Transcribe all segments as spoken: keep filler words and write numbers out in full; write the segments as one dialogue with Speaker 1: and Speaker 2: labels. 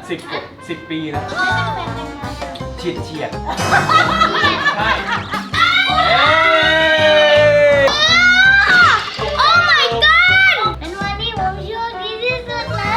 Speaker 1: สิบสิบปีนะ
Speaker 2: ไม่เป็นแฟนกันนะ
Speaker 1: เฉียดเฉียดใช่
Speaker 2: โอ้ my god เป็นวันที่ผมโชคดีที่สุดเลย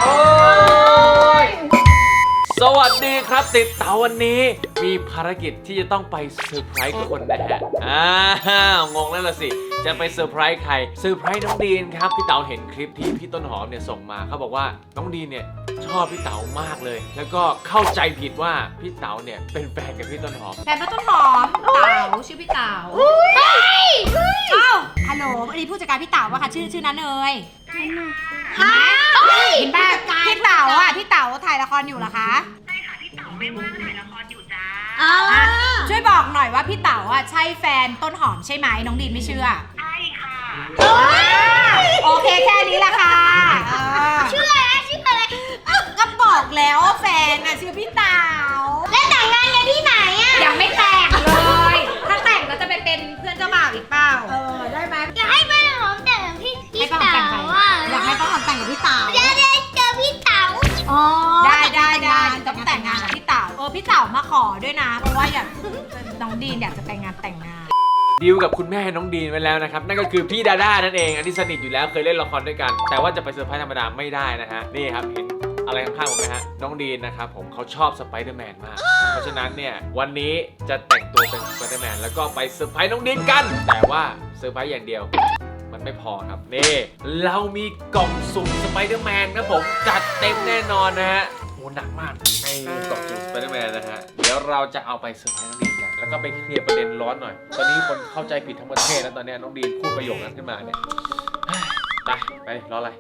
Speaker 1: สวัสดีครับติดเต๋าวันนี้มีภารกิจที่จะต้องไปเซอร์ไพรส์คนนะฮะอ้าวงงแล้วล่ะสิจะไปเซอร์ไพรส์ใครเซอร์ไพรส์น้องดีนครับพี่เต๋าเห็นคลิปที่พี่ต้นหอมเนี่ยส่งมาเขาบอกว่าน้องดีนเนี่ยชอบพี่เต๋ามากเลยแล้วก็เข้าใจผิดว่าพี่เต๋าเนี่ยเป็นแฟนกับพี่ต้นหอม
Speaker 3: แฟนป้าต้นหอมเต๋าชื่อพี่เต๋าอ้าวฮัลโหลอันนี้ผู้จัดการพี่เต๋าป่ะคะชื่อชื่อนั้นเลยเห็นป่ะพี่เต๋าอ่ะพี่เต๋าถ่ายละครอยู่เหรอคะใช่ค่ะพี่เต๋าไม่ว่างถ่ายละครอยู่จ้าช่วยบอกหน่อยว่าพี่เต๋าอ่ะใช่แฟนต้นหอมใช่ไหมน้องดินไม่เชื่อใช่ค่ะโอเคแค่นี้แหละค่ะชื่ออะไรชื่ออะไรก็บอกแล้วว่าแฟนอ่ะชื่อพี่เต๋า
Speaker 2: แล้วแต่งงานกันที่ไหนอ่ะ
Speaker 3: ยังไม่แต่งเลยถ้าแต่งก็จะไปเป็นเพื่อนเจ้าบ่าวอีกเปล่าเออได้ไหม
Speaker 2: อยากให้แม่หอมแต่งกับพี่พี่เต๋าอ่ะ
Speaker 3: อยากให้ป้าหอมแต่งกับพี่เต๋า
Speaker 2: เดี๋ยวได้เจอพี่เต๋า
Speaker 3: อ๋อได้ได้ได้ต้องแต่งงานกับพี่เต๋าเออพี่เต๋ามาขอด้วยนะเพราะว่าอยากน้องดีนอยากจะแต่งงานแต่งงาน
Speaker 1: ดีลกับคุณแม่น้องดีนไว้แล้วนะครับนั่นก็คือพี่ดาด้านั่นเองอันนี้สนิทอยู่แล้วเคยเล่นละครด้วยกันแต่ว่าจะไปเซอร์ไพรส์ธรรมดาไม่ได้นะฮะนี่ครับเห็นอะไรข้างๆผมไหมฮะน้องดีนนะครับผมเขาชอบสไปเดอร์แมนมากเพราะฉะนั้นเนี่ยวันนี้จะแต่งตัวเป็นสไปเดอร์แมนแล้วก็ไปเซอร์ไพรส์น้องดีนกันแต่ว่าเซอร์ไพรส์อย่างเดียวมันไม่พอครับนี่เรามีกล่องสุ่มสไปเดอร์แมนนะผมจัดเต็มแน่นอนนะฮะโหหนักมากในกล่องสุ่มสไปเดอร์แมนนะฮะเดี๋ยวเราจะเอาไปเซอร์ไพรส์น้องดีนกันแล้วก็ไปเคลียร์ประเด็นร้อนหน่อยตอนนี้คนเข้าใจผิดทั้งประเทศแล้วตอนนี้น้องดีนพูดประโยคนั้นขึ้นมาเนี่ยไปไปรออะไร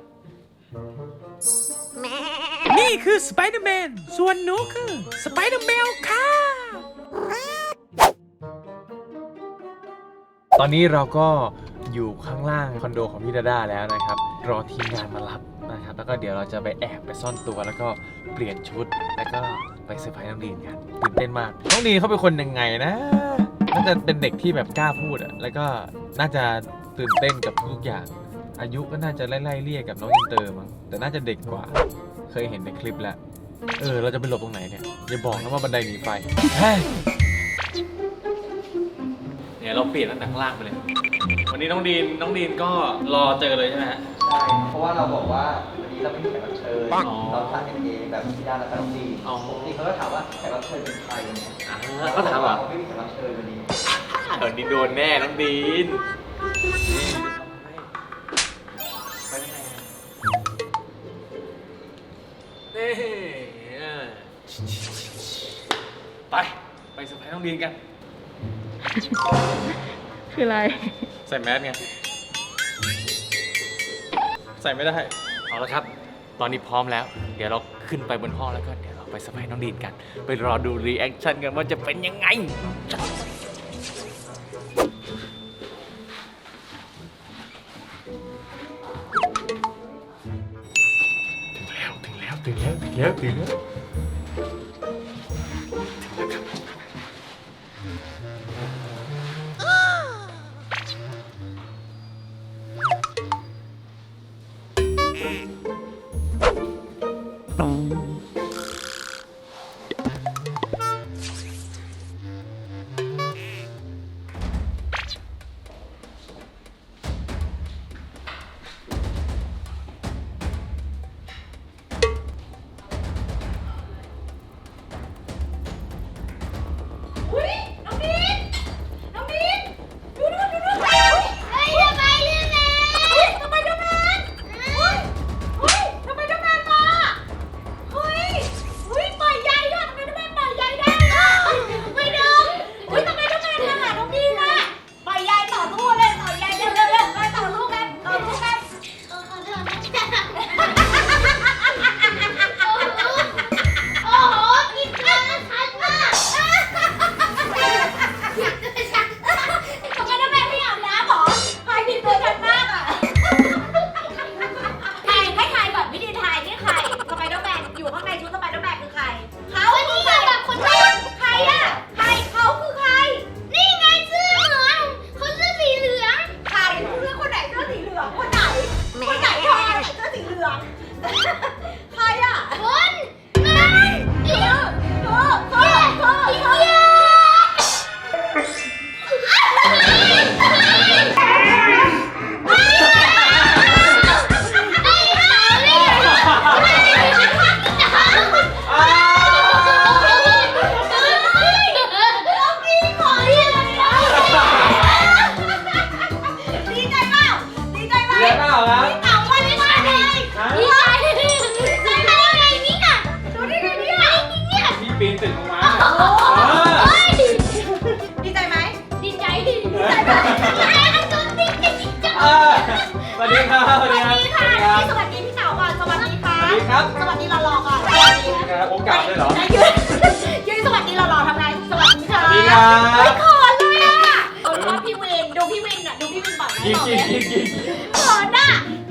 Speaker 1: นี่คือสไปเดอร์แมนส่วนหนูคือสไปเดอร์แมวค่ะตอนนี้เราก็อยู่ข้างล่างคอนโดของพี่ดาด้าแล้วนะครับรอทีมงานมารับนะครับแล้วก็เดี๋ยวเราจะไปแอบไปซ่อนตัวแล้วก็เปลี่ยนชุดแล้วก็ไปเซอร์ไพรส์น้องดีนกันตื่นเต้นมากน้องดีนเขาเป็นคนยังไงนะน่าจะเป็นเด็กที่แบบกล้าพูดอะแล้วก็น่าจะตื่นเต้นกับทุกอย่างอายุก็น่าจะไล่ๆเลี่ยกับน้องอินเตอร์มั้งแต่น่าจะเด็กกว่าเคยเห็นในคลิปแล้วเออเราจะไปหลบตรงไหนเนี่ยอย่าบอกนะว่าบันไดหนีไฟเนี่ยเราเปลี่ยนตั้งแต่ข้างล่างไปเลยวันนี้น้องดีนน้องดีนก็รอเจอเลยใช่ไหมฮะ
Speaker 4: ใช่เพราะว่าเราบอกว่าวันนี้เราไม่มีแขกรับเชิญเราถ่ายกันเองแบบพี่ดาและน้องดีปกติเขาก็ถามว่าแขกรับเชิญเป็นใครเนี่ย
Speaker 1: เขาถามว่า
Speaker 4: เขาไม่มีแขกรับเชิญวันนี้
Speaker 1: เออนี่โดนแน่น้องดีนนี่ไปไปเซอร์ไพรส์น้องดีนกัน
Speaker 5: คืออะไร
Speaker 1: ใส่แมสไงใส่ไม่ได้เอาละครับตอนนี้พร้อมแล้วเดี๋ยวเราขึ้นไปบนห้องแล้วก็เดี๋ยวเราไปเซอร์ไพรส์น้องดีนกันไปรอดูรีแอคชั่นกันว่าจะเป็นยังไงถึงแล้วถึงแล้วถึงแล้วถึงแล้วล่าครับ
Speaker 3: พี่เต๋าวันนี้มาเลย
Speaker 1: ฮะ
Speaker 3: ดีใจดีใจได้ไงเนี่ยดูได้ไงเนี่ยเนี่ย
Speaker 1: พี่ปีนตึกลงมา
Speaker 3: เฮ้ยดีใจไหมดีใจดีใจไหมจุดติ๊กติ๊กติ๊กจัง
Speaker 1: เออสวัสดีครับสวัสดีครับ
Speaker 3: สวัสดีค่ะสวัสดีพี่เต๋าก่อนสวัสดีค่ะ
Speaker 1: สวัสดีครับ
Speaker 3: สวัสดีรอๆก่อนสวัสดี
Speaker 1: ครับโอกาสด้วยเหรอ
Speaker 3: ยืนยืนสวัสดีรอๆทำไงสวัสดีค่ะ
Speaker 1: สวัสดีครับ
Speaker 3: ไม่ขอเลยอ่ะเออชอบพี่วินดูพี่วินอ่ะดูพี่วินบ่อยไหม
Speaker 1: กินกินกินกิน
Speaker 3: ขอน่ะ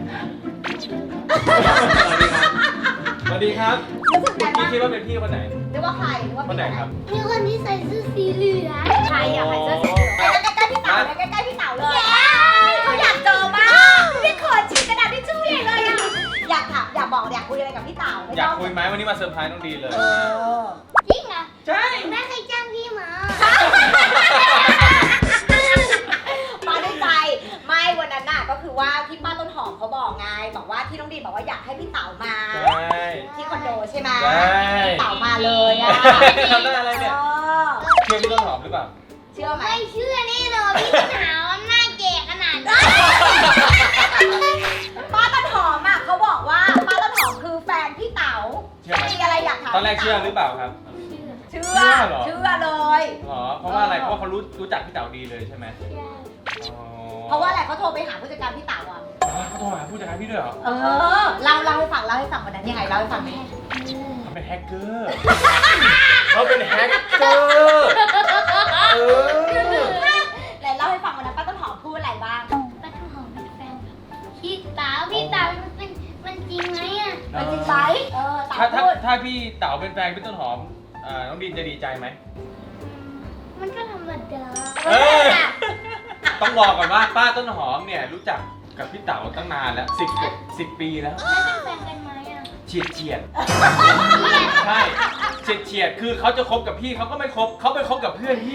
Speaker 1: สวัสดีครับพี่คิดว่าเป็นพี่คนไหน
Speaker 3: หรือว่าใครหรือว่า
Speaker 1: คนไหนครับ
Speaker 2: มีคนที่ใส่เสื้อสีเหลือง
Speaker 3: ใครอ่ะใครเสื้อสีเหลืองไปใกล้ๆพี่เต๋าเลยใกล้ๆพี่เต๋าเลยเขาอยากเจอมากพี่ขอฉีกกระดาษทิชชู่ใหญ่เลยอ่ะอยากถามอยากบอกอยากคุยอะไรกับพี่เต๋า
Speaker 1: อยากคุยไหมวันนี้มาเซอร์ไพรส์น้องดีเลย
Speaker 3: เออ
Speaker 2: จริงเหรอ
Speaker 1: ใช่
Speaker 2: แม่เคยจ้างพี่มา
Speaker 3: มาด้วยใจไม่วันนั้นน่ะก็คือว่าที่ป้าต้นหอมเขาบอกไงบอกว่าที่น้องดีบอกว่าอยากให้พี่เต๋ามา
Speaker 1: ใช่
Speaker 3: ที่คอนโดใช่ไหม
Speaker 1: ใช่
Speaker 3: พี่เต๋ามาเลยอ่ะ
Speaker 1: ทำได้อะไรเนี่ย
Speaker 3: ออ
Speaker 1: เชื่อพี่ต้นหอมหรือเปล่า
Speaker 3: เชื่อไหม
Speaker 2: ไม่เชื่อแน่นอนพี่ต้นหาว่าหน้าแก่ขนาดนี้
Speaker 3: ป้าต้นหอมอ่ะเขาบอกว่าป้าต้นหอมคือแฟนพี่เต๋า
Speaker 1: เชื่อไหม
Speaker 3: มีอะไรอยากถาม
Speaker 1: ตอนแรกเชื่อหรือเปล่าครับ
Speaker 3: เชื่อ
Speaker 1: เชื่อเหรอ
Speaker 3: เชื่อเลย
Speaker 1: หรอเพราะว่าอะไรเพราะว่าเขารู้รู้จักพี่เต๋าดีเลยใช่ไหมอ๋อ
Speaker 3: เพราะว่าอะไรเขาโทรไปหาผู้จัดการพี่เต๋าอ่ะ
Speaker 1: อ๋อเขาโทรหาผู้จัดการพี่ด้วยเหรอ
Speaker 3: เออเล่าเล่าให้ฟังเล่าให้ฟังวันนั้นยังไงเล่าให้ฟังหน่อย
Speaker 1: เขาเป็นแฮกเกอร์เขาเป็นแฮกเกอร์เออ
Speaker 3: ไหนเล่าให้ฟังวันนั้นป้าต้นหอมพูดอะไรบ้าง
Speaker 2: ป้าต้นหอมเป็นแฟนกับพี่สาวพี่สาวมันเป็นมันจริงไหมอ่ะ
Speaker 3: มันจริงไหมเออเต๋า
Speaker 1: ถ้าถ้า
Speaker 3: พูด
Speaker 1: ถ้าพี่เต๋าเป็นแฟนพี่ต้นหอมเอ่อน้องดินจะดีใจไหม
Speaker 2: มันก็ธรรมดา
Speaker 1: เออ ต้องบอกก่อนว่าป้าต้นหอมเนี่ยรู้จักกับพี่เต๋าตั้งนานแล้วสิบสิบปีแล้ว
Speaker 2: แล้วเป็นแฟนกันไหมอ่ะ
Speaker 1: เฉียดเฉียดใช่เฉียดเฉียดคือเขาจะคบกับพี่เขาก็ไม่คบเขาไปคบกับเพื่อนพี่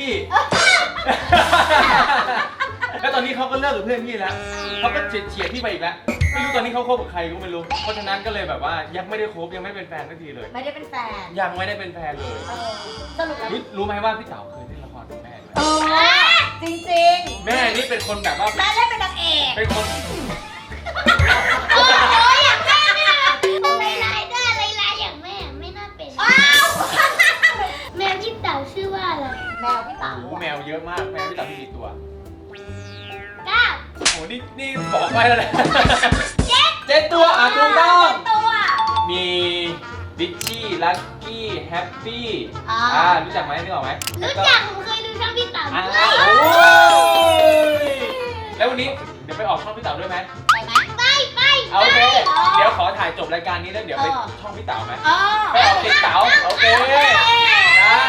Speaker 1: แล้วตอนนี้เขาก็เลิกกับเพื่อนพี่แล้วเขาก็เฉียดเฉียดพี่ไปอีกแล้วไม่รู้ตอนนี้เขาคบกับใครก็ไม่รู้เพราะฉะนั้นก็เลยแบบว่ายังไม่ได้คบยังไม่เป็นแฟนสักทีเลย
Speaker 3: ไม่ได้เป็นแฟน
Speaker 1: ยังไม่ได้เป็นแฟนเลย
Speaker 3: เออสรุปแล้ว
Speaker 1: รู้รู้ไหมว่าพี่เต๋าเคยเล่นละครกับแม่ด้วย
Speaker 3: เออจริง
Speaker 1: แม่นี่เป็นคนแบบว่า
Speaker 3: ๆแม่เล่นเป็นนางเอก
Speaker 1: เป็นคน
Speaker 2: โอ้ยอย่างแม่เนี่ยลายลายได้ลายลายอย่างแม่ไม่น่าเป็น
Speaker 3: อ้าว
Speaker 2: แมวพี่เต๋าชื่อว่าอะไร
Speaker 3: แมวพี่เต๋า
Speaker 1: โอ้โหแมวเยอะมากแมวพี่เต๋ามีกี่ตัว
Speaker 2: เก้า
Speaker 1: โอ้โหนี่นี่บอกไปแล้วแหละเจ็ดเจ็ดตัวอ่ะถูกต้อง
Speaker 3: ตัว
Speaker 1: มีดิชชี่ลักกี้แฮปปี้
Speaker 3: อ่า
Speaker 1: อ่ารู้จักไหมนึกออกไหม
Speaker 2: รู้จักผมเคยดูช่องพี่เต๋า
Speaker 1: อ่า
Speaker 2: ด้วย
Speaker 1: โอ้ยแล้ววันนี้เดี๋ยวไปออกช่องพี่เต๋าด้วยไหม
Speaker 3: ไปไหม
Speaker 2: ไปไป
Speaker 1: เอาโอเคเดี๋ยวขอถ่ายจบรายการนี้แล้วเดี๋ยวไปช่องพี่เต๋าไหม
Speaker 3: เออ
Speaker 1: ไปออกติดเต๋าโอเคได้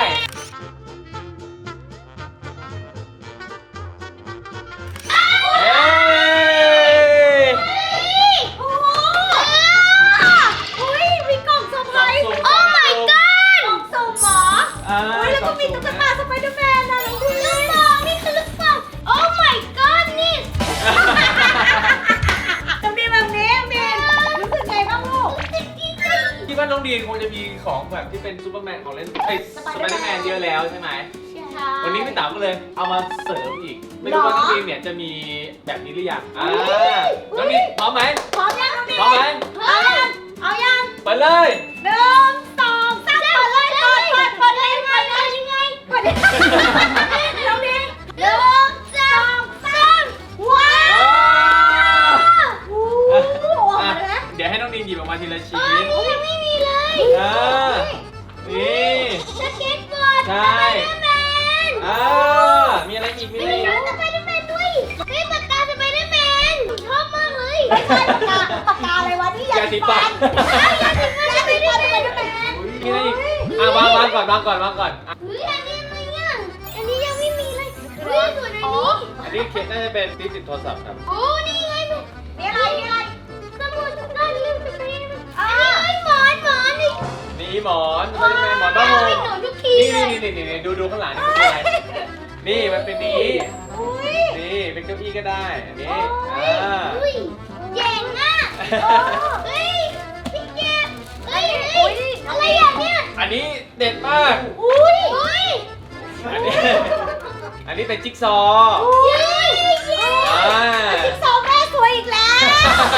Speaker 1: เอ้ย
Speaker 3: โอ้โหอุ้ยมีกล่องเซอร์ไพรส์
Speaker 1: โอ้ my god
Speaker 3: กล่องสุ่มเหรอ
Speaker 1: อ่า
Speaker 3: อุ้ยแล้วก็มีตุ๊กตาสไปเดอร์แมนนะน้องพี่
Speaker 2: ลูกบอลนี่คือลูกบอลโอ้ my god นี่
Speaker 3: น้องดีแบบนี้มีนรู้สึกไงบ้างลูก
Speaker 1: คิดว่าน้องดีนคงจะมีของแบบที่เป็นซูเปอร์แมนของเล่นเอ้ยสไปเดอร์แมนเยอะแล้วใช่ไหม วันนี้พี่เต๋าก็เลยเอามาเสริมอีก ไม่รู้ว่าน้องดีนเนี่ยจะมีแบบนี้หรือยังอ่าน้องดีนพร้อมไหม
Speaker 3: พร้อมยังน้องดี
Speaker 1: พร้อมไหม
Speaker 3: เอายังเอายัง
Speaker 1: เปิดเลย
Speaker 3: หนึ่งสองสามเปิดเลยเปิดเปิดเปิดเลยเปิดเลยยังไงเปิดเลยน้องดี
Speaker 2: หนึ่งสองสาม
Speaker 3: ว้า
Speaker 1: อ่าว
Speaker 3: โอ้โหออกมาเลยนะ
Speaker 1: เดี๋ยวให้น้องดีนหยิบออกมาทีละชิ้
Speaker 2: โอ้ย
Speaker 1: น
Speaker 2: นี่ยังไม่มีเลย
Speaker 1: อ่านี่
Speaker 2: สเก็ตบอร์ด
Speaker 1: ใช่
Speaker 2: แมน
Speaker 1: อ่ามีอะไรอีกมี
Speaker 2: ไม่
Speaker 1: อะไร
Speaker 2: มี
Speaker 1: อีก
Speaker 2: สไปเดอร์แมนด้วยเฮ้ยปากกาสไปเดอร์แมนผมชอบมากเลย
Speaker 3: ไม่ใช่ปากกาปากกาอะไรวะนี่ยาสีฟันยาสีฟันยาสีฟันสไปเดอร์แมน
Speaker 1: อุ๊ยมีอะไรอีกอ่ะวางวางก่อนวางก่อนวางก่อนอ่ะ
Speaker 2: เฮ้ยอันนี้อะไรเนี่ยอันนี้ยังไม่มีเลยเฮ้ยส่วนอันนี้
Speaker 1: อันนี้เคสน่าจะเป็นที่ติดโทรศัพท์ครับ
Speaker 2: โอ้นี่ไง
Speaker 3: มีอะไรมีอะไร
Speaker 2: สมุดด้านลืมสไปเดอร์แมนอันนี้หมอนหมอนนี่
Speaker 1: นี่หมอนสไปเดอร์แมนหมอนผ้าห่ม
Speaker 2: ไม่หนูทุกที
Speaker 1: นี่
Speaker 2: เล
Speaker 1: นี่
Speaker 2: ย
Speaker 1: นี่นี่นี่ดูดูข้างหลังนี่เป็นอะไรนี่มันเป็นนี้
Speaker 3: อุ้ย
Speaker 1: นี่เป็นเก้าอี้ก็ได้อันนี้
Speaker 3: โอ้ย
Speaker 1: อ่า
Speaker 2: อุ้ยเจ๋งอ่ะเฮ้ยพี่เก็บเฮ้ยเฮ้ยอะไรอย่างเนี้ย
Speaker 1: อันนี้เด็ดมาก
Speaker 2: อุ้ยอุ้ย
Speaker 1: อันนี้อันนี้เป็นจิ๊กซอว์
Speaker 2: เย้
Speaker 1: อ่า
Speaker 3: จิ๊กซอว์แม่สวยอีกแล้ว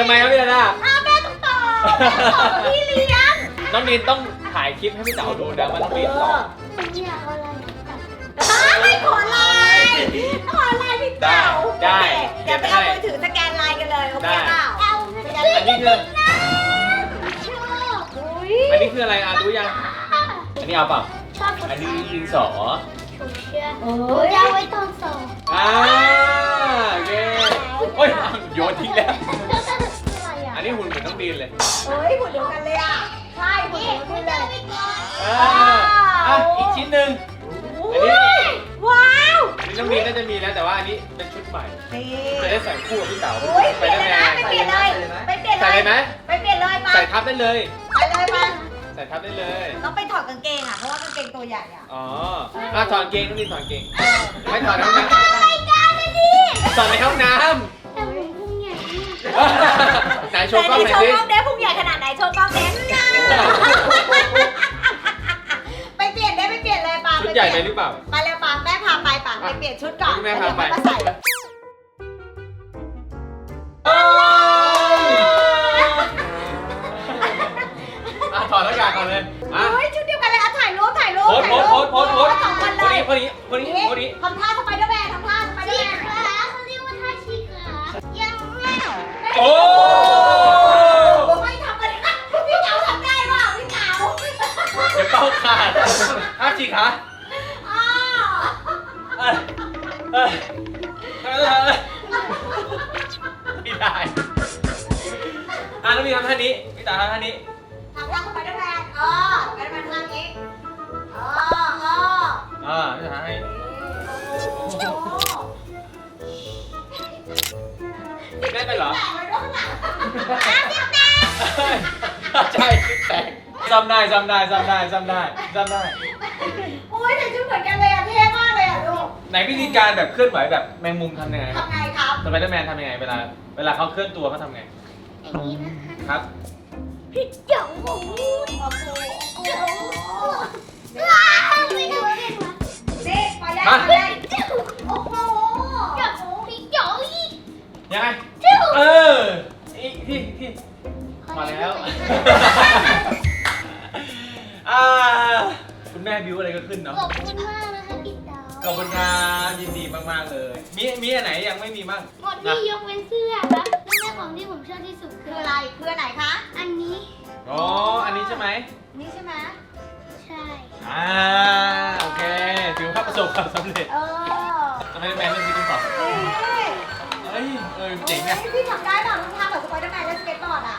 Speaker 1: ทำไมครับพี่ดาด้า
Speaker 2: อ้าวแม่ต้องตอบแม่ตอบพี่เลี้ยง
Speaker 1: น้องดีนต้องถ่ายคลิปให้พี่เต๋าดูนะว่าน้องดีนตอบ
Speaker 2: หนูอยากเอาอะไรตัด
Speaker 3: ไม่ขอไลน์ขอไลน์พี่เต๋า
Speaker 1: ได้
Speaker 3: เดี๋ยวไปเอามือถือสแกนไลน์กันเลยโอเคเปล่า
Speaker 2: เอา
Speaker 1: อันนี้คือ
Speaker 2: ชอบ
Speaker 3: อุ้ย
Speaker 1: อันนี้คืออะไรอ่ะรู้ยัง อันนี้เอาเปล่า
Speaker 2: ชอบ
Speaker 1: อันนี้ดินสอ
Speaker 2: ถูกเชื่อหนูจะเอาไว้ตอนสอบ
Speaker 1: อ่าโอเคโอ้ยเอาโยนทิ้งแล้ว
Speaker 2: อะไรอ่ะ
Speaker 1: อันนี้หุ่นเหมือนน้องดีนเลย
Speaker 3: เฮ้ยหุ่นเดียวกันเลยอ่ะใช่หุ่น
Speaker 2: นี่
Speaker 3: เดียวกัน
Speaker 2: หนู
Speaker 3: เล
Speaker 2: จะเอา
Speaker 3: ย
Speaker 2: ไว้ก่อน
Speaker 1: อ่าอ่ะอีกชิ้นหนึ่งอันนี้
Speaker 3: ว้าว
Speaker 1: อันนี้น้องดีนน่าจะมีแล้วแต่ว่าอันนี้เป็นชุดใหม่
Speaker 3: นี่
Speaker 1: จะได้ใส่คู่กับพี่เต๋า
Speaker 3: อุ้ย
Speaker 1: ไป
Speaker 3: เปลี่ยน
Speaker 1: ได้
Speaker 3: เลย
Speaker 1: ไหม
Speaker 3: นะไปเปลี่ยนเลยไปเปลี่ยน
Speaker 1: ใส่เลยไหม
Speaker 3: ไปเปลี่ยนเลยมา
Speaker 1: ใส่ทับได้เลย
Speaker 3: ไปเลยมา
Speaker 1: ใส่ทับได้เลย
Speaker 3: ต้องไปถอดกางเกงอ่ะเพราะว่ากางเกงตัวใหญ่อ่ะ
Speaker 1: อ๋ออ่ะถอดกางเกงน้องดีนถอดกางเกงไม่ถอดในห้องน้
Speaker 2: รายการนะดิ
Speaker 1: ำถอดในห้องน้
Speaker 2: แต่หนูพุ่งใหญ่
Speaker 1: ำ
Speaker 2: มาก
Speaker 1: ไหนโชว์กล้องหน่อย
Speaker 3: โช
Speaker 1: สิ
Speaker 3: ว์กล้องเด้พุงใหญ่ขนาดไหนโชว์กล้องเด้ไปเปลี่ยนได้ไปเปลี่ยนเลยปา
Speaker 1: ชุดใหญ่ไปหรือเปล่า
Speaker 3: ไปเร็วปาแม่พาไปปาไปเปลี่ยนชุดก่อน
Speaker 1: แม่พาไป
Speaker 3: เดี๋ยวมาใส่
Speaker 1: โอ้ยอ่ะถอดหน้ากากก่อนเลยมา
Speaker 3: เฮ้ยชุดเดียวกันเลยอ่ะถ่ายรูปถ่ายรูป
Speaker 1: โพส
Speaker 3: ถ่าย
Speaker 1: โพ
Speaker 3: รู
Speaker 1: ส
Speaker 3: ป
Speaker 1: โพสโพสโพส
Speaker 3: สองคนเล
Speaker 1: คน
Speaker 3: ย
Speaker 1: นี้คนนี้คนนี้คนนี้
Speaker 3: ทำท่าสไปเดอร์แมนทำท่าสไปเดอร์
Speaker 2: ชี
Speaker 3: แมน
Speaker 2: ขาเขาเรียกว่าท่าชีขายังไม่
Speaker 1: โอ้
Speaker 3: ไม่ทำกันนะพี่เต๋าทำได้เปล่าพี่เต๋า
Speaker 1: เดี๋ยวเป้าขาดห้าจีขา
Speaker 3: อ้าว
Speaker 1: เอ้ยเอ้ยเอ้ยเอ้ยไม่ได้อ่ะน้องมีทำท่านี้พี่ตาทำท่านี้
Speaker 3: ทำท่าสไปเดอร์แมนเออสไปเดอร์แมนทำอย่างนี้เออเออ
Speaker 1: อ่าพี่ตาให้
Speaker 3: โอ้โห
Speaker 1: ได้ไปเหรอ
Speaker 3: แตะไว้ด้วยข้างหลัง
Speaker 1: ใช่คิดแตกจำได้จำได้จำได้จำได้จำได้
Speaker 3: โอ้ยแต่ชุดเหมือนกันเลยอ่ะเท่มากเลยอ่ะลูก
Speaker 1: ไหนวิธีการแบบเคลื่อนไหวแบบแมงมุมทำยังไงครับ
Speaker 3: ทำไงครับ
Speaker 1: สไปเดอร์แมนทำยังไงเวลาเวลาเขาเคลื่อนตัวเขาทำไง
Speaker 2: อย่างนี้นะคะ
Speaker 1: ครับ
Speaker 2: พี่เจ๋งโอ้โห
Speaker 3: โอ้โห
Speaker 2: เจ๋งว้าวไม่ดูเลยว่ะ
Speaker 3: นี่ไปได้
Speaker 1: มา
Speaker 3: ไปได้
Speaker 2: เจ๋ง
Speaker 3: โอ้โห
Speaker 2: เจ๋งพี่เจ๋งอีก
Speaker 1: ยังไง
Speaker 2: เจ๋ง
Speaker 1: เอออีกที่ที่มาแล้วอ่าคุณแม่บิวอะไรก็ขึ้นเนาะ
Speaker 2: ขอบคุณมากนะคะพี่เต๋า
Speaker 1: ขอบคุณครับยินดีมากๆเลย มีมีอันไหนยังไม่มีบ้าง
Speaker 2: หมดที่ยกเว้นเสื้อครับนั่นแหละของที่ผมชอบที่สุดคื
Speaker 3: คือ อ
Speaker 2: อะ
Speaker 3: อะไร ไรคืออันไหนคะ
Speaker 2: อันนี้
Speaker 1: อ๋ออันนี้ใช่ไหม
Speaker 3: นี่ใช่ไหม
Speaker 2: ใช่
Speaker 1: อ่าโอเคถือว่าประสบความสำเร็จ
Speaker 3: เออ
Speaker 1: สไปเดอร์แมนเรื่องนี้ต้องตอบ
Speaker 3: นี่
Speaker 1: เฮ้ยเออเจ๋งอะ
Speaker 3: พี่ทำได้เปล่าทำแบบสไปเดอร์แมนและสเก็ตบอร์ดอ่ะ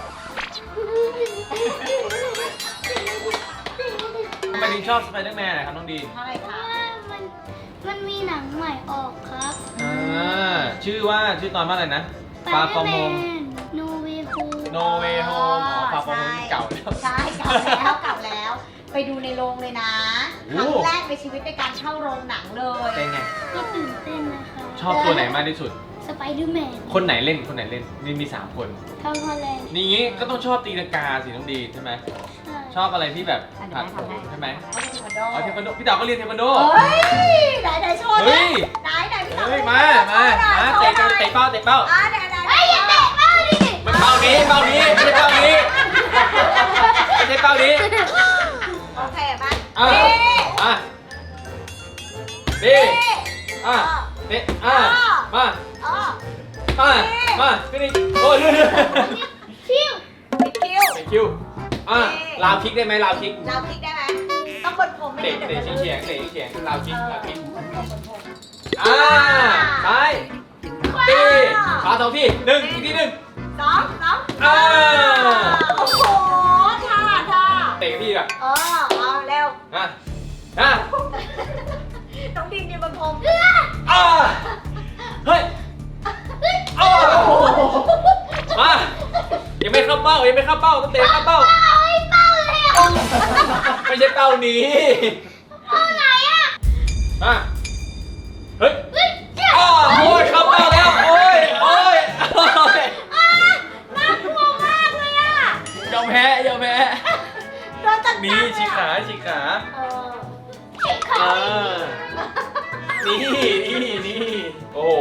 Speaker 1: ทำไมถึงชอบสไปเดอร์แมนอะครับน้องดีน
Speaker 3: เท่าไหร่
Speaker 2: เพ
Speaker 3: คะ
Speaker 2: ราะว่ามันมันมีหนังใหม่ออกครับ
Speaker 1: อ่าชื่อว่าชื่อตอนว่าอะไรนะฟาฟอร์โม
Speaker 2: โนเวโฮ
Speaker 1: โนเวโฮมอ๋อฟาฟอร์โมเก่าแล้ว
Speaker 3: ใช่เก่าแล้วเก่าแล้ว ไปดูในโรงเลยนะ
Speaker 1: โอ้
Speaker 3: ครั้งแรกในชีวิตในการเข้าโรงหนังเลย
Speaker 1: เป็นไง
Speaker 2: ก็ตื่นเต้นนะคะ
Speaker 1: ชอบตัวไหนมากที่สุด
Speaker 2: สไปเดอร์แมน
Speaker 1: คนไหนเล่นคนไหนเล่นนี่มีสามคน
Speaker 2: ทอมฮอลแลนด์
Speaker 1: นี่งี้ก็ต้องชอบตีลังกาสิน้องดีนใช่ไหม
Speaker 2: ใช่
Speaker 1: ชอบอะไรที่แบบ
Speaker 3: อ่ะเดี๋
Speaker 1: ผั
Speaker 3: ยว
Speaker 1: ด
Speaker 3: แม่
Speaker 1: โผ
Speaker 3: ทำให้
Speaker 1: ใช่ไหม
Speaker 3: เขาเป็นเทควันโด
Speaker 1: อ๋อเทควันโดพี่ดาวก็เรียนเทควันโด
Speaker 3: เฮ้ยไหนไหนโชว์
Speaker 1: เฮ้
Speaker 3: ดิ
Speaker 1: ย
Speaker 3: ไหนไหนพี่สาว
Speaker 1: เฮ้ยมามามาเตะกันเตะเป้าเตะเป้า
Speaker 3: อ่ะไหนไหน
Speaker 2: เฮ้ยอย่าเตะเป้าดิ
Speaker 1: มันเป้านี้เป้านี้ไม่ใช่เป้านี้ไม่ใช่เป้านี้
Speaker 3: โอเคมา
Speaker 1: อ่ะ
Speaker 3: เอ๊ะ
Speaker 1: อ่ะดี
Speaker 3: เอ๊ะ
Speaker 1: อ่ะเตะอ่ะมา
Speaker 3: อ๋อ
Speaker 1: มามาขึ้นอีกโอ้ยเรื่อยๆ
Speaker 2: ชิว
Speaker 3: ปิดคิว
Speaker 1: เตะคิวอ่ะลาวคิกได้ไหมลาวคิก
Speaker 3: เราพลิกได้ไหมต้องบนผมไม่
Speaker 1: เตะ
Speaker 3: งั้น
Speaker 1: เตะ
Speaker 3: เดี๋ยว
Speaker 1: เฉี
Speaker 3: จะ
Speaker 1: ยง
Speaker 3: ลื่น
Speaker 1: เตะเฉียงลาวคิกลาวคิก
Speaker 3: บนผมบนผม
Speaker 1: อ่าซ้ายตีขาสองทีหนึ่งอีกทีหนึ่ง
Speaker 3: สองสอง
Speaker 1: อ่า
Speaker 3: โอ้โหท่าท่า
Speaker 1: เตะพี่แบบ
Speaker 3: เออเอาเร็ว
Speaker 1: อ่ะอ่ะ
Speaker 3: น้องดินยืนบนผม
Speaker 1: อ่าเฮ้ยอ้าวมายังไม่เข้าเป้ายังไม่เข้าเป้าต้องเตะเข้าเป้า
Speaker 2: เป้าไอ้เป้าเลยอ่ะ
Speaker 1: ไม่ใช่เป้านี้
Speaker 2: เป้าไหนอ่ะ
Speaker 1: อ่ะเฮ้ย
Speaker 2: เฮ้ยเจ้า
Speaker 1: อ้าวโอ้ยเข้าเป้าแล้วโอ้ยโอ้ยโอ้ย
Speaker 3: น่ากลัวมากเลยอ่ะ
Speaker 1: ยอมแพ้ยอมแพ้
Speaker 3: โดนตัด
Speaker 1: นี่ฉีกขาฉีกขา
Speaker 3: เออ
Speaker 2: เจ็บขา
Speaker 1: อ่านี่นี่นี่โอ้โหน้องดี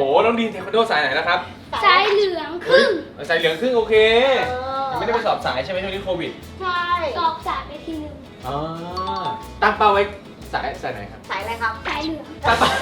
Speaker 1: ดีนเทควันโดสายไหนนะครับ
Speaker 2: สายเหลืองครึ่ง
Speaker 1: สายเหลืองครึ่งโอเค
Speaker 3: เออ
Speaker 1: ยังไม่ได้ไปสอบสายใช่ไหมช่วงนี้โควิด
Speaker 3: ใช่
Speaker 2: สอบสายไปทีหนึ่ง
Speaker 1: อ๋อตั้งเป้าไว้สายสายไหนครับ
Speaker 3: สายอะไรครับ
Speaker 2: สายเหลือง
Speaker 1: ตั้งเป้า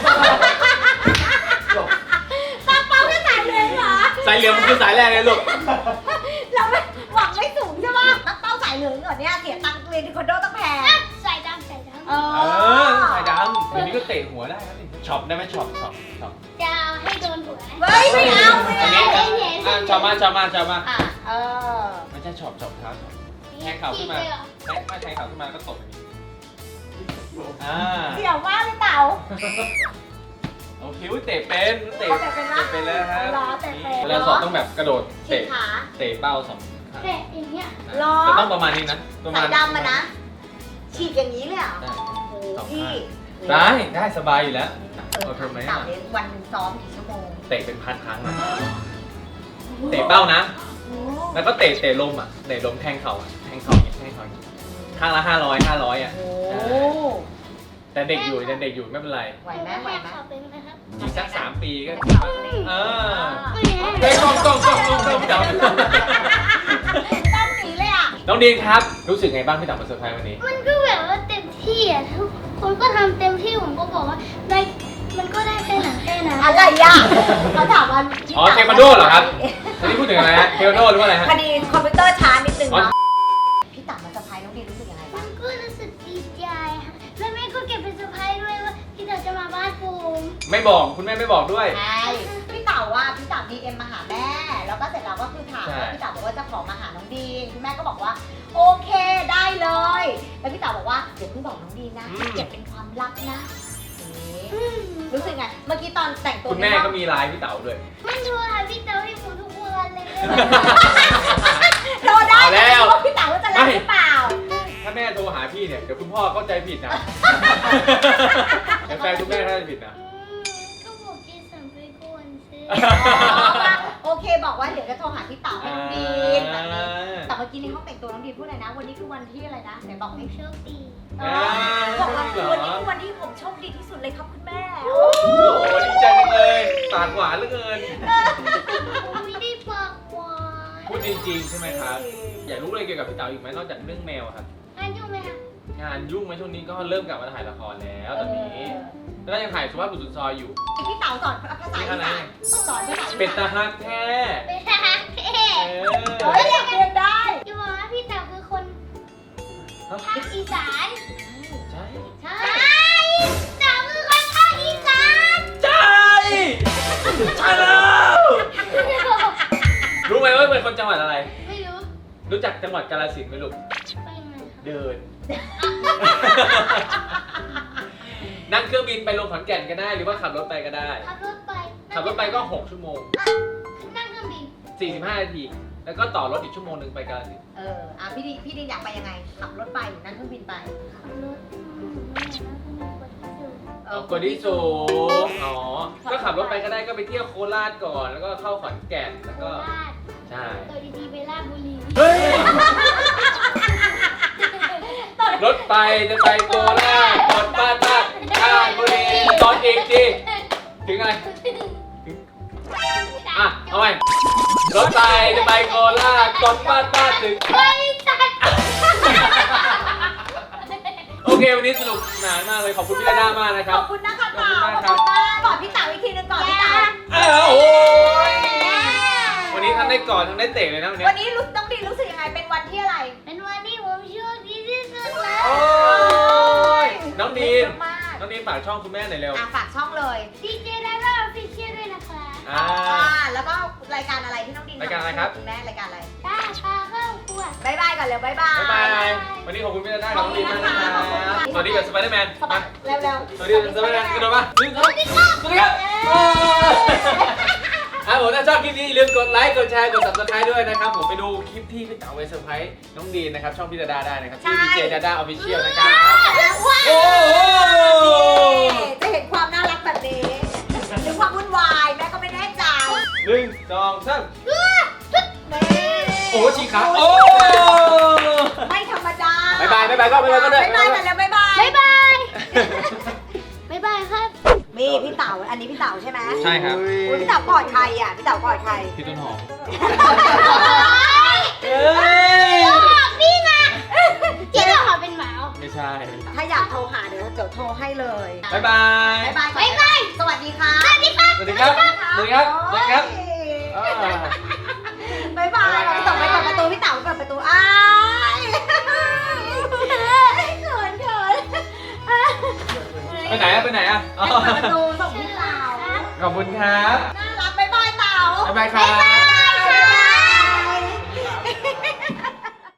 Speaker 3: ตั้งเป้าแค่สายเลยเหรอ
Speaker 1: สายเหลืองมันคือสายแรกเลยลูก
Speaker 3: เราไม่หวังไม่สูงใช่ปะตั้งเป้าสายเหลืองก่อนเนี่ยเสียตังค์เรียนที่คอนโดต้องแพง
Speaker 2: สายดำสายดำ
Speaker 3: เอ
Speaker 1: เอ
Speaker 3: อ
Speaker 1: อสายดำเดี๋ยวนี้ก็เตะหัวได้ครับนี่ช็อปได้ไหมช็อปช็อปช็อป
Speaker 2: จะให้โดนหัว
Speaker 3: เฮ้ยไม่เอาไม่
Speaker 1: อัน
Speaker 3: เอา
Speaker 1: นี้อ่ะช็อปมาช็อปมาช็อปมา
Speaker 3: อ่ะเออ
Speaker 1: ไม่ใช่ช็อปช็อปครับแทงเข่าขึ้นมา
Speaker 2: เลยเหรอ
Speaker 1: แทงไม่แทงเข่าขึ้นมาก็ตบอย่างนี้อ่า
Speaker 3: เสี่ยวมากเลยเต๋า
Speaker 1: โอเคอุ๊ยเตะเป็นเตะ
Speaker 3: เขาเตะเป็นนะ
Speaker 1: เตะเป็นแล้วครับ
Speaker 3: เหรอเตะเป็น
Speaker 1: เวลาสอบต้องแบบกระโดด
Speaker 3: ฉีก
Speaker 1: เตะ
Speaker 3: ขา
Speaker 1: เตะเป้าสองครั้ง
Speaker 2: แต่อย่างเงี้ย
Speaker 3: เหรอ
Speaker 1: จะต้องประมาณนี้นะประมา
Speaker 3: สา
Speaker 1: ณ
Speaker 3: ยดำอะนะ ฉีกอย่างนี้เลยเหรอ่ะ
Speaker 1: ได้
Speaker 3: โอ้
Speaker 1: สอง
Speaker 3: พี่
Speaker 1: ข้างได้ได้สบายอยู่แล้ว
Speaker 3: เออ
Speaker 1: เอาทำไหม
Speaker 3: เต๋า
Speaker 1: อ่ะ
Speaker 3: เรียนวันหนึ่งซ้อมกี่ชั่วโมง
Speaker 1: เตะเป็นพันครั้งอะเตะเป้านะ
Speaker 3: โอ้
Speaker 1: แล้วก็เตะเตะลมอ่ะเตะลมแทงเข่าอ่ะแทงเข่าอย่างเงี้ยแทงเข่าอย่างเงี้ยข้างละห้าร้อยห้าร้อยอ่ะ
Speaker 3: โห
Speaker 1: แต่เด็กอยู่ยังเด็กอยู่ไม่เป็นไร
Speaker 3: ไหวไหมไหวไหม
Speaker 2: ขอเป็นนะครับ
Speaker 1: อีกสักสามปีก็
Speaker 3: เอ
Speaker 1: เอ
Speaker 3: อ
Speaker 1: อ
Speaker 2: ไม่
Speaker 1: เฮ้ยกล้องกล้องกล้องกล้องกล้องจับ
Speaker 3: ต้องสีเลยอ่ะ
Speaker 1: น้องดีนครับ รู้สึกไงบ้างที่ต่างมาเซอร์ไพรส์วันนี้
Speaker 2: มันก็แบบว่าเต็มที่อ่ะทุกคนก็ทำเต็มที่ผมก็บอกว่าได้มันก็ได้แค่ไหนแค่นั้น
Speaker 3: อะไรอ่ะเขาถามว่า
Speaker 1: อ๋อเทควันโดเหรอครับวันนี้พูดถึงอะไรฮะเทควันโดหรือว่าอะไรฮะ
Speaker 3: พอดีคอมพิวเตอร์ช้านิดนึง
Speaker 1: อ๋อ
Speaker 3: เนาะพี่ต่างมาสะพายน้องดีรู้สึกยังไง
Speaker 2: มั
Speaker 3: บ้าง
Speaker 2: นก็รู้สึกดีใจค่ะแล้วแม่ก็เก็บเป็นเซอร์ไพรส์ด้วยว่าพี่เต๋อจะมาบ้านผม
Speaker 1: ไม่บอกคุณแม่ไม่บอกด้วย
Speaker 3: ใช่พี่เต๋าว่าพี่เต๋าดีเอ็มมาหาแม่ แล้วก็เสร็จแล้วก็คือถาม
Speaker 1: ใช่
Speaker 3: ว่าพี่เต๋าบอกว่าจะขอมาหาน้องดีนคุณแม่ก็บอกว่าโอเคได้เลย แล้วพี่เต๋าบอกว่าเดี๋ยวเพิ่งบอกน้องดีนนะเก็บเป็นความลับนะนี่รู้สึกไง เมื่อกี้ตอนแต่งตัว
Speaker 1: คุณแม่ก็มีไลน์พี่เต๋าด้วย
Speaker 2: มันดูหาพี่เต๋อให้ผมทุกวันเลย
Speaker 3: โดนได้
Speaker 1: เอาแล้ว
Speaker 3: ว่าพี่เต๋าว่าจะรับหรือเปล่า
Speaker 1: ถ้าแม่โทรหาพี่เนี่ยเดี๋ยวคุณพ่อเข้าใจผิดนะเดี๋ยวแฟนคุณแม่เข้าใจผิดนะ
Speaker 2: ก็บอกจีสันไปก่อนสิ
Speaker 3: โอเคบอกว่าเดี๋ยวจะโทรหาพี่เต๋าให้น้องดีนแบบนี้แต่เมื่อกี้ในห้องแต่งตัวน้องดีนพูดอะไรนะ วันนี้คือวันที่อะไรนะไหนบอกไม่
Speaker 2: โชคดี
Speaker 3: เออบอกว่าวันนี้คือวันที่ผมโชคดีที่สุดเลยครับคุณแม่
Speaker 1: โอ้โหดีใจจังเลยปากหวานเหลือเกิน
Speaker 2: ผมไม่ได้ปากหวาน
Speaker 1: พูดจริงๆใช่ไหมครับ อยากรู้อะไรเกี่ยวกับพี่เต๋าอีกไหมนอกจากเรื่องแมวอะครับ
Speaker 2: งานยุ่งไหมคะ
Speaker 1: งานยุ่งไหมช่วงนี้ก็เริ่มกลับมาถ่ายละครแล้วตอนนี้ แล้วก็ยังถ่ายสุภาพบุรุษสุดซอยอยู่
Speaker 3: พี่เต๋าสอนภาษาอีสานสอนภาษาอีสาน
Speaker 1: เป็นตาฮักแท้
Speaker 2: เป็นทหารเท่
Speaker 1: เอ
Speaker 3: เฮ้ยเรียนได้
Speaker 2: จะบอกว่าพี่เต๋อคือคน
Speaker 1: อ
Speaker 2: ภาคอีสาน
Speaker 1: ใช่
Speaker 3: ใช่
Speaker 2: ใช่เต๋อคือคนภาคอีสาน
Speaker 1: ใช่ใช่แล้วรู้ไหมว่าเป็นคนจังหวัดอะไร
Speaker 2: ไม่รู้
Speaker 1: รู้จักจังหวัดกาฬสินธุ์ไหมลูก
Speaker 2: ไปยังไงคะ
Speaker 1: เดิน นั่งเครื่องบินไปลงขอนแก่นก็ได้ หรือว่าขับรถไปก็ได้
Speaker 2: ขับรถไป
Speaker 1: ขับรถไปก็หกชั่วโมง
Speaker 2: นั่งเครื่องบิน
Speaker 1: สี่สิบห้านาที แล้วก็ต่อรถอีกชั่วโมงหนึ่งไปกาฬสินธุ์
Speaker 3: เอออ่ะพี่ดีพี่ดีอยากไปยังไง ขับรถไปหรือนั่งเครื่องบินไป
Speaker 2: ขับรถอืมไม่อยากนั่งเครื่องบินกว่าที่สุด
Speaker 1: เอากว่าที่สูงอ๋อ ก็ขับรถไปก็ได้ก็ไปเที่ยวโคราชก่อน แล้วก็เข้าขอนแก่น แล้ว
Speaker 2: โค
Speaker 1: ก็
Speaker 2: ราช
Speaker 1: ใช่
Speaker 2: ตัวดีๆไปราชบุรี
Speaker 1: เฮ้ย รถไปจะไปโคราชกดป้าป้าราชบุรีตอนเอกจีถึงไง อ่ะ เอาใหม่รถไปจะไปโคราชกดป้าป้าถึง
Speaker 2: เฮ้ยจัด
Speaker 1: โอเค วันนี้สนุกสนานมากเลย ขอบคุณพี่ดาด้ามากนะค
Speaker 3: ข
Speaker 1: รับ
Speaker 3: อบคุณนะคะ
Speaker 1: ขอบ
Speaker 3: เต๋า
Speaker 1: คุณ
Speaker 3: ข
Speaker 1: มา
Speaker 3: อก บ
Speaker 1: ครับ
Speaker 3: คุณมากก่อนพี่เต๋าอีกทีนึงก่อนพี่เต๋า
Speaker 1: อ้าวโอ้ยวันนี้ทั้งได้กอดทั้งได้เตะเลยนะวันนี้
Speaker 3: วันนี้รู้ต้องดีรู้สึกยังไง เป็นวันที่อะไร
Speaker 2: เป็นวันที่ผมโชคดีที่สุดแล้ว
Speaker 1: โอ้ยน้องดีน
Speaker 3: มาก
Speaker 1: น้องดีนฝากช่องคุณแม่หน่อยเร็ว
Speaker 3: อ่ะฝากช่องเลย
Speaker 2: ดีเจดาราออฟฟิเชียลด้วยนะคะ
Speaker 1: อ่า
Speaker 3: อ่าแล้วก็รายการอะไรที่น้องดิน
Speaker 1: รายการอะไรครับ
Speaker 3: คุณแม่รายการอะไร
Speaker 2: ตาปลาเข้าขวด
Speaker 3: บายบายก่อนเร็วบายบาย
Speaker 1: บ๊ายบาย วันนี้ขอบคุณพี่ดาด้ากับน้องดีนมากนะครับสวัสดีกับสไปเดอร์แมน
Speaker 3: สบายเร็วเร็ว
Speaker 1: สวัสดีกับสไปเดอร์แมนกระโดดมาหนึ่งสองสวัสดีครับอ่ะผมถ้าชอบคลิปนี้อย่าลืมกดไลค์ กดแชร์ กด ซับสไครบ์ ด้วยนะครับ ผมไปดูคลิปที่พี่เต๋าไปเซอร์ไพรส์น้องดีนนะครับ ช่องพี่ดาด้าได้นะครับชื่อดีเจดาด้าออฟฟิเชียลนะครับ โอ้โห
Speaker 3: จะเห็นความน่ารักแบบนี้หรือความวุ่นวายแม่ก็ไม่แน่ใจ
Speaker 1: หนึ่งสองสาม
Speaker 3: แม่
Speaker 1: โอ้ชีขาโอ้
Speaker 3: ไม่ธรรมดา
Speaker 1: บ๊ายบายบ๊ายบายก็บ๊ายบายก็ได้
Speaker 3: บ๊ายบายกันแล้วบ๊ายบาย
Speaker 2: บ๊ายบาย บ๊ายบายครับ
Speaker 3: ไม่นี่พี่เต๋าอันนี้พี่เต๋าใช่ไหม
Speaker 1: ใช่ครับ
Speaker 3: อุ๊ยพี่เต๋ากอดใครอ่ะพี่เต๋ากอดใคร
Speaker 1: พี่ต้นหอม
Speaker 2: เฮ้ยบอกพี่นะเจ๊จะขอเป็นหมา
Speaker 1: ไม่ใช่
Speaker 3: ถ้าอยากโทรหาเดี๋ยวเดี๋ยวโทรให้เลย
Speaker 1: บ๊ายบาย
Speaker 3: บ๊ายบายบ๊ายบายสวัสดีค่ะ
Speaker 2: สวัสดีครับ
Speaker 1: สวัสดีครับสวัสดีครับสวัสดีครับอ่า
Speaker 3: บ๊ายบายเราไปต่อไปเปิดประตูพี่เต๋าเปิดประตูอ้าย เขินเขิน
Speaker 1: ไปไหนอะไปไหนอะอ๋อ
Speaker 3: เปิดประตูส่งพี่เต๋า
Speaker 1: ขอบคุณครับ
Speaker 3: น่ารักบ๊ายบายเต๋า
Speaker 1: บ๊ายบายครับ